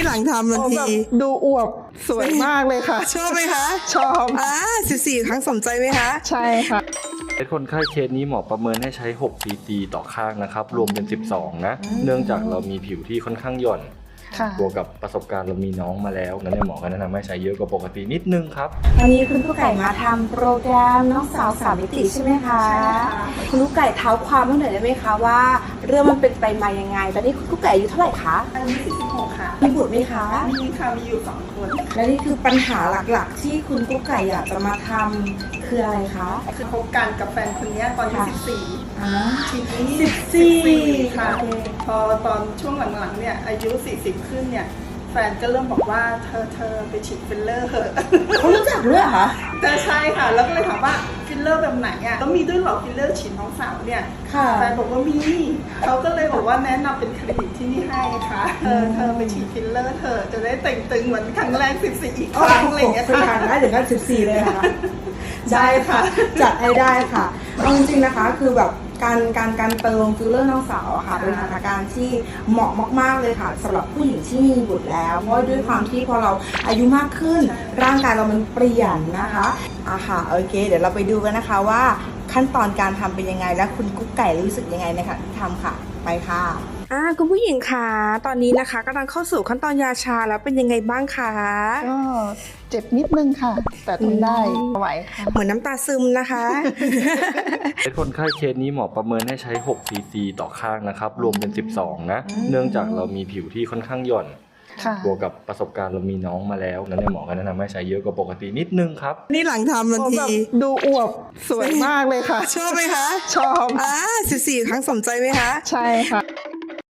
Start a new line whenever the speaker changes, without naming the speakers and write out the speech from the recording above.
หลังทำทันที
ดูอวบสวยมากเลยค่ะ
ชอบไหมคะ
ชอบ
14 ครั้งสมใจไหมคะ
ใช่ค่ะ
คนไข้เคสนี้หมอประเมินให้ใช้6 cc ต่อข้างนะครับรวมเป็น12นะเนื่องจากเรามีผิวที่ค่อนข้างหย่อนบวกกับประสบการณ์เรามีน้องมาแล้วงั้นหมอก็แนะนำให้ใช้เยอะกว่าปกตินิดนึงครับ
วันนี้คุณกุ๊กไก่มาทำโปรแกรมน้องสาว3 มิติใช่ไหมคะคุณกุ๊กไก่เท้าความตั้งแต่ได้ไหมคะว่าเรื่องมันเป็นไปมายังไงตอนนี้คุณกุ๊กไก่อายุเท่าไหร่คะ
อายุ46ค่ะ
มีบุตรไหมคะ
มีค่ะมีอยู่2 คน
และนี่คือปัญหาหลักๆที่คุณกุ๊กไก่อยากจะมาทำคืออะไรคะ
คือคบกันกับแฟนคนนี้ตอนที่14ทีนี้
14
ค่ะพอตอนช่วงหลังๆเนี่ยอายุ40ขึ้นเนี่ยแฟนก็เริ่มบอกว่าเธอไปฉีดฟิลเลอร์เหอะ
เขารู้จักด้วยเหรอคะ
แต่ใช่ค่ะแล้วก็เลยถามว่าฟิลเลอร์แบบไหนอ่ะต้องมีด้วยหรอฟิลเลอร์ฉีดน้องสาวเนี่ยแฟนบอกว่ามีเขาก็เลยบอกว่าแนะนำเป็นคลินิกที่นี่ให้ค่ะเธอไปฉีดฟิลเลอร์เธอจะได้เต่งตึงเหมือนครั้งแรก14อีกครั้งอะไรอย่างเงี้ยค่ะ
ได้ถึงขั้น14เลยค่ะได้ค่ะจัดให้ได้ค่ะเอาจริงๆนะคะคือแบบการเติมฟิลเลอร์น้องสาวค่ะเป็นสถานการณ์ที่เหมาะมากๆเลยค่ะสำหรับผู้หญิงที่มีบุตรแล้วเพราะด้วยความที่พอเราอายุมากขึ้นร่างกายเรามันเปลี่ยนนะคะค่ะโอเคเดี๋ยวเราไปดูกันนะคะว่าขั้นตอนการทำเป็นยังไงและคุณกุ๊กไก่รู้สึกยังไงนะคะที่ทำค่ะไปค่ะคุณผู้หญิงคะตอนนี้นะคะกำลังเข้าสู่ขั้นตอนยาชาแล้วเป็นยังไงบ้างคะ
ก็เจ็บนิดนึงค่ะแต่ทนได้ไหวค่ะ
เหมือนน้ำตาซึมนะคะ
คนไข้เคสนี้หมอประเมินให้ใช้6 cc ต่อข้างนะครับรวมเป็น12นะเนื่องจากเรามีผิวที่ค่อนข้างหย่อนบวกกับประสบการณ์เรามีน้องมาแล้วงั้นหมอก็แนะนำให้ใช้เยอะกว่าปกตินิดนึงครับ
นี่หลังทำทันที
ดูอวบสวยมากเลยค่ะ
ชอบไหมคะ
ชอบ
14 ครั้งสมใจไหมคะ
ใช่ค่ะ